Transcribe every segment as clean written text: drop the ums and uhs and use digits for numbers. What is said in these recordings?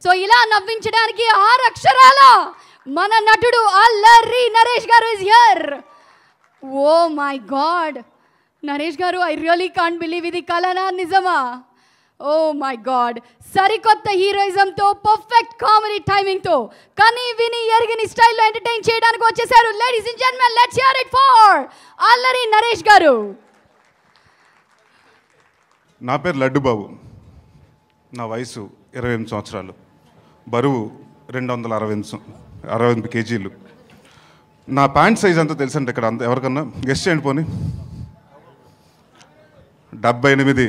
So ఇలా నవ్వించడానికి 6 అక్షరాల మన నటుడు అల్లరి నరేష్ గారు is here. Oh my god Naresh గారు, ఐ రియలీ కాంట్ బిలీవ్ ఇది కలనా నిజమా? ఓ మై గాడ్, సరికొత్త హీరోయిజంతో పర్ఫెక్ట్ కామెడీ టైమింగ్తో కని విని ఎరిగిని స్టైల్లో ఎంటర్టైన్ చేయడానికి వచ్చేసారు. Ladies and gentlemen, let's hear it for Allari Naresh గారు. నా పేరు లడ్డు బాబు. నా వయసు 28 సంవత్సరాలు. బరువు 268 కేజీలు. నా ప్యాంట్ సైజ్ అంతా తెలుసండి ఇక్కడ ఎవరికన్నా గెస్ట్ చేయండి పోనీ. 78.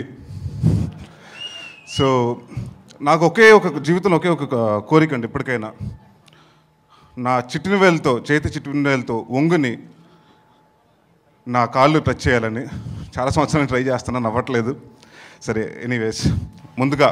సో నాకు జీవితంలో ఒకే ఒక కోరిక అండి ఇప్పటికైనా. నా చేతి చిట్టినవేలతో ఒంగుని నా కాళ్ళు టచ్ చేయాలని చాలా సంవత్సరాలు ట్రై చేస్తున్నాను, అవ్వట్లేదు. సరే, ఎనీవేస్, ముందుగా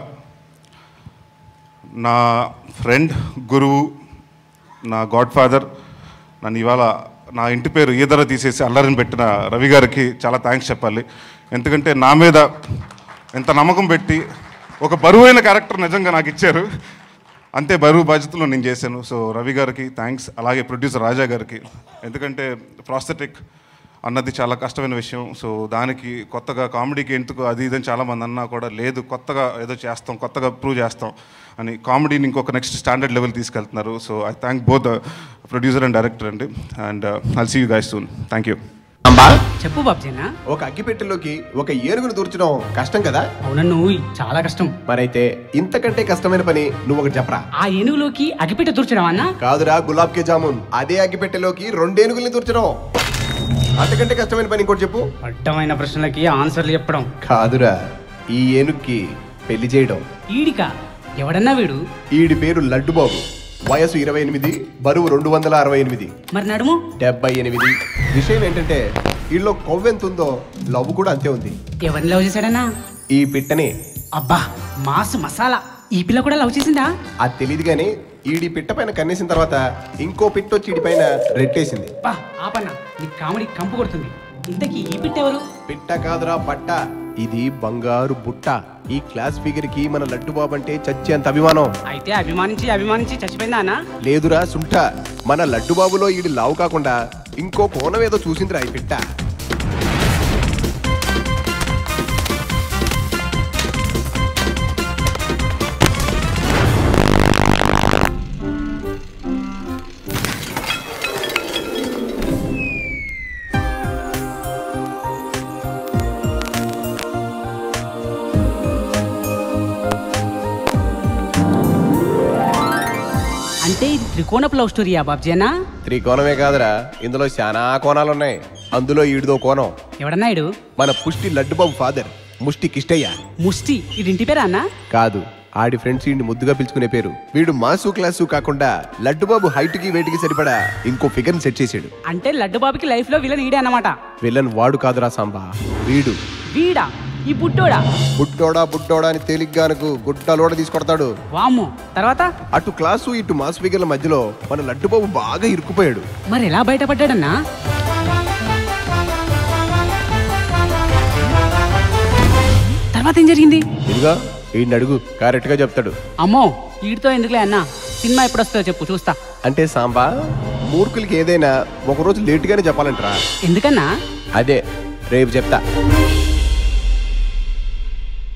నా ఫ్రెండ్, గురువు, నా గాడ్ ఫాదర్, నన్ను ఇవాళ నా ఇంటి పేరు ఈదర తీసేసి అల్లరిని పెట్టిన రవి గారికి చాలా థ్యాంక్స్ చెప్పాలి. ఎందుకంటే నా మీద ఎంత నమ్మకం పెట్టి ఒక బరువైన క్యారెక్టర్ నిజంగా నాకు ఇచ్చారు. అంతే బరువు బాధ్యతలో నేను చేశాను. సో రవి గారికి థ్యాంక్స్. అలాగే ప్రొడ్యూసర్ రాజా గారికి, ఎందుకంటే ప్రాస్థెటిక్ అన్నది చాలా కష్టమైన విషయం. సో దానికి కొత్తగా కామెడీకి ఎందుకు అది ఇదని చాలామంది అన్నా కూడా లేదు, కొత్తగా ఏదో చేస్తాం, కొత్తగా ప్రూవ్ చేస్తాం అని కామెడీని ఇంకొక నెక్స్ట్ స్టాండర్డ్ లెవెల్ తీసుకెళ్తున్నారు. So I thank both producer and director అండి. And I'll see you guys soon. Thank you. చెప్పు బాబ్జీనా. ఒక అగ్గిపెట్టెలోకి ఒక ఏనుగును దూర్చడం కష్టం కదా? అవునన్ను, చాలా కష్టం. మరైతే ఇంతకంటే కష్టమైన పని నువ్వు ఒకటి చెప్పరా. ఆ ఏనుగులోకి అగ్గిపెట్టె దూర్చడం అన్నా? కాదురా, గులాబ్ కే జామున్. అదే అగ్గిపెట్టెలోకి 2 ఏనుగుల్ని దూర్చడం. అంతకంటే కష్టమైన పని ఇంకోటి చెప్పు. అడ్డమైన ప్రశ్నలకి ఆన్సర్లు చెప్పడం. కాదురా, ఈ ఏనుగుకి పెళ్లి చేయడం. ఈడికా? ఎవడన్నా వీడు? ఈడి పేరు లడ్డు బాబు. వయసు 28, బరువు 268. మరి నడుము 78. విషయం ఏంటంటే వీళ్ళలో కొవ్వెంత ఉందో లవ్ కూడా అంతే ఉంది. ఎవరిని లవ్ చేశాడన్నా? ఈ పిట్టని. అబ్బా, మాసు మసాలా. ఈ పిల్ల కూడా లవ్ చేసిందా? అది తెలియదు కానీ ఈడి పిట్ట పైన కన్నేసిన తర్వాత ఇంకో పిట్ట వచ్చి ఈడి పైన రెట్టేసింది. బా ఆపన్నా, నీ కామెడీ కంపు కొడుతుంది. ఇంతకీ ఈ పిట్ట ఎవరు? పిట్ట కాదురా, పట్ట. ఇది బంగారు బుట్ట. ఈ క్లాస్ ఫిగర్ కి మన లడ్డు బాబు అంటే చచ్చేంత అభిమానం. అయితే అభిమానించి చచ్చిపోయిందా అన్న? లేదురా సుంఠ, మన లడ్డు బాబులో ఈడి లావు కాకుండా ఇంకో కోణం ఏదో చూసిందిరా ఈ పిట్ట. అంటే ఇది త్రికోణపు లవ్ స్టోరీయా బాబ్జీనా? త్రికోణమే కాదురా, ఇందులో చాలా కోణాలున్నాయి. అందులో ఈడిదో కోణం. ఎవడన్నా ఇడు? మన పుష్టి లడ్డు బాబు ఫాదర్, ముష్టి కిష్టయ్య. ముష్టి ఇది ఇంటి పేరా అన్న? కాదు, ఆడి ఫ్రెండ్స్ ఈడిని ముద్దుగా పిలుచుకునే పేరు. వీడు మాసు క్లాసు కాకుండా లడ్డు బాబు హైట్ కి వెయిట్ కి సరిపడా ఇంకో ఫిగర్ ని సెట్ చేసాడు. అంటే లడ్డు బాబుకి లైఫ్ లో విలన్ ఈడే అన్నమాట. విలన్ వాడు కాదురా సాంబా, వీడు. వీడా? ఈ బుట్టోడా? బుట్టోడా అని తేలిగ్గానకు గుడ్డలోడ తీసుకొడతాడు. వామ్మో, తర్వాత? అటు క్లాసు ఇటు మాస్ ఫిగర్ల మధ్యలో మన లడ్డు బాబు బాగా ఇరుక్కుపోయాడు. మరి ఎలా బయటపడ్డాడన్నా? తర్వాత ఏం జరిగింది? ఇదిగా ఈయన అడుగు, కరెక్ట్ గా చెప్తాడు. అమ్మో, వీడితో ఎందుకులే అన్నా. సినిమా ఎప్పుడు వస్తుందో చెప్పు, చూస్తా. అంటే సాంబా, మూర్ఖులకి ఏదైనా ఒకరోజు లేటుగానే చెప్పాలంటరా. ఎందుకన్నా? అదే రేపు చెప్తా.